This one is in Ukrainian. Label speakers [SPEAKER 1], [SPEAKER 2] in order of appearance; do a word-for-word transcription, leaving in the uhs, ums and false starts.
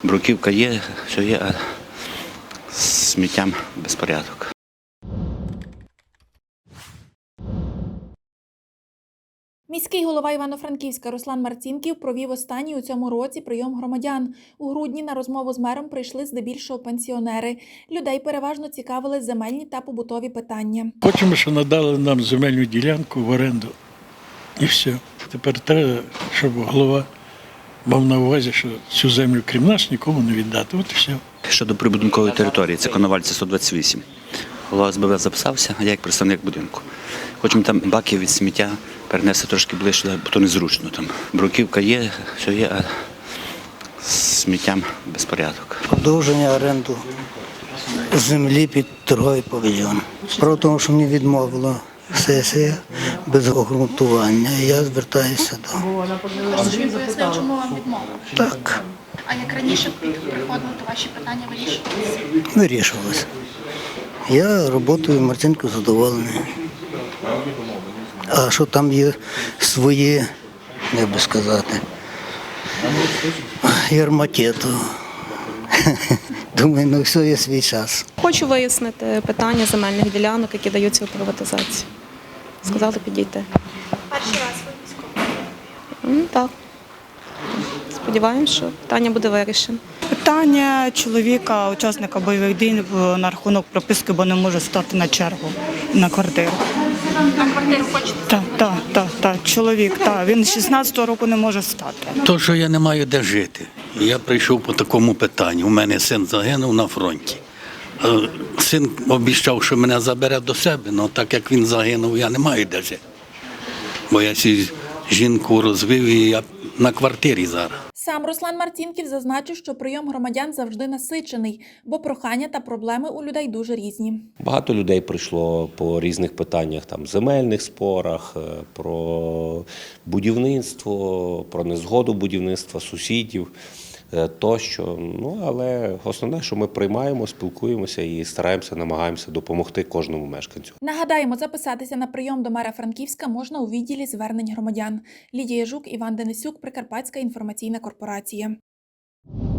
[SPEAKER 1] Бруківка є, все є, а з сміттям безпорядок.
[SPEAKER 2] Міський голова Івано-Франківська Руслан Марцінків провів останній у цьому році прийом громадян. У грудні на розмову з мером прийшли здебільшого пенсіонери. Людей переважно цікавили земельні та побутові питання.
[SPEAKER 3] Хочемо, щоб надали нам земельну ділянку в оренду. І все. Тепер треба, щоб голова мав на увазі, що цю землю крім нас нікому не віддати. От і все.
[SPEAKER 1] Щодо прибудинкової території, це Коновальця сто двадцять вісім. Голова СБВ записався, а я як представник будинку. Хочемо там баки від сміття перенести трошки ближче, бо то незручно. Там бруківка є, все є, а з сміттям безпорядок.
[SPEAKER 4] Продовження оренду землі під торговий павільйон. Справа в тому, що мені відмовила сесія без обґрунтування, і я звертаюся до...
[SPEAKER 2] Він пояснив, чому вам відмовили?
[SPEAKER 4] Так,
[SPEAKER 2] А як раніше приходили, то ваші питання вирішувалися?
[SPEAKER 4] вирішувалося. Я роботою Марцинкою задоволений. А що там є свої, як би сказати, ярмакету. Думаю, ну все є свій час.
[SPEAKER 5] Хочу вияснити питання земельних ділянок, які даються у приватизацію. Сказали підійти.
[SPEAKER 2] Перший раз ви військовий?
[SPEAKER 5] Так. Сподіваємось, що питання буде вирішено.
[SPEAKER 6] Питання чоловіка, учасника бойових дій на рахунок прописки, бо не може стати на чергу на квартиру.
[SPEAKER 2] На квартиру хочете?
[SPEAKER 6] Так, так, так, так, чоловік, так. Він з шістнадцятого року не може стати.
[SPEAKER 7] То, що я не маю де жити. Я прийшов по такому питанню. У мене син загинув на фронті. Е, Син обіцяв, що мене забере до себе, але так як він загинув, я не маю де жити. Бо я цю жінку розвив і я на квартирі зараз.
[SPEAKER 2] Сам Руслан Марцінків зазначив, що прийом громадян завжди насичений, бо прохання та проблеми у людей дуже різні.
[SPEAKER 8] Багато людей прийшло по різних питаннях, там земельних спорах, про будівництво, про незгоду будівництва сусідів тощо. Ну, але основне, що ми приймаємо, спілкуємося і стараємося, намагаємося допомогти кожному мешканцю.
[SPEAKER 2] Нагадаємо, записатися на прийом до мера Франківська можна у відділі звернень громадян. Лідія Жук, Іван Денисюк, Прикарпатська інформаційна корпорація.